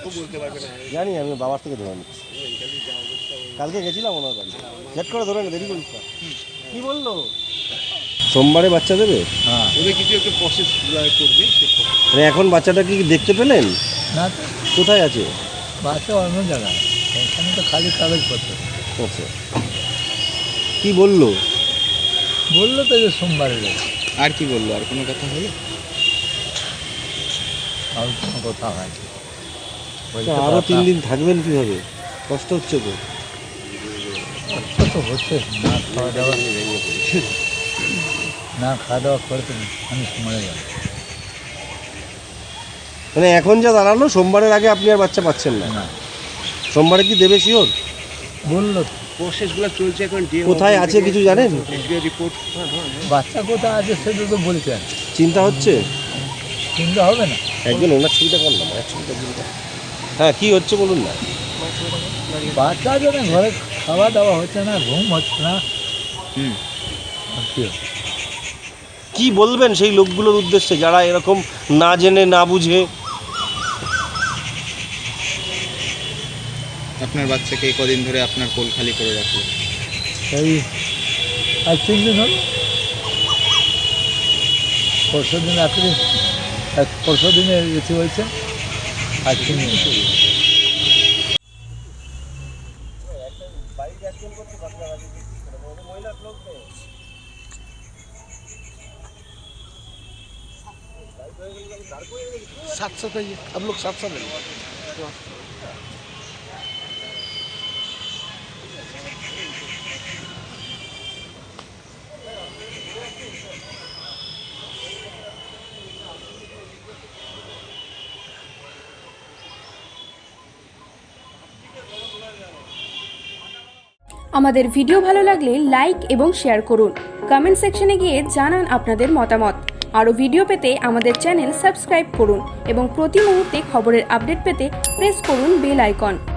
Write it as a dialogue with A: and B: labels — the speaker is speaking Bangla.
A: জানি, আমি বাবার থেকে ধরে নিচ্ছি। কালকে গেছিলাম ওনার বাড়ি, ঝট করে ধরে না, দেরি করিস না। কি বললো? সোমবারে বাচ্চা দেবে?
B: হ্যাঁ,
A: ওদের কিছু একটা প্রসেস করবে। মানে এখন বাচ্চাটা কি দেখতে পেলেন?
B: না তো,
A: কোথায় আছে
B: বাচ্চা অন্য জায়গায়, এখানে তো খালি কাগজপত্র।
A: আচ্ছা, কি বললো?
B: বললো তো যে সোমবারে যাবে।
C: আর কি বললো? আর কোনো কথা হলো?
B: আর কোনো কথা হয়নি।
A: আরও 3 দিন থাকবেন কিভাবে? কষ্ট হচ্ছে তো।
B: কষ্ট তো হচ্ছে, না খাওয়া দাওয়া, না খাওয়া দাওয়া করতে আমি মরে যাব।
A: মানে এখন যা দাঁড়ালো, সোমবারের আগে আপনি আর বাচ্চা পাচ্ছেন না।
B: না,
A: সোমবারে কি দেবে শিওর?
B: বললো
A: প্রসেসগুলো চলছে এখন। কোথায় আছে কিছু জানেন? রিপোর্ট
B: বাচ্চা কোথায় আছে সেটা তো বলছেন।
A: চিন্তা হচ্ছে?
B: চিন্তা হবে না।
A: একজন ওনার ছবিটা করলাম, এক ছবিটা দিন। হ্যাঁ, কি হচ্ছে বলুন না।
B: বাচ্চা জন্য ঘরে খাওয়া দাওয়া হচ্ছে না, ঘুম হচ্ছে না।
C: হুম।
B: আর কি হবে?
A: কি বলবেন সেই লোকগুলোর উদ্দেশ্যে যারা এরকম না জেনে না বুঝে?
C: আপনার বাচ্চাকে এই কদিন ধরে আপনার কোল খালি করে রাখলো?
B: এই আর 3 দিন হলো। পরশু দিন রাত্রে, পরশু দিনে এসে হয়েছে, আর 3 দিন।
A: सात सौ का अब लोग 700 ले।
D: আমাদের ভিডিও ভালো লাগলে লাইক এবং শেয়ার করুন। কমেন্ট সেকশনে গিয়ে জানান আপনাদের মতামত। আরও ভিডিও পেতে আমাদের চ্যানেল সাবস্ক্রাইব করুন এবং প্রতি মুহূর্তে খবরের আপডেট পেতে প্রেস করুন বেল আইকন।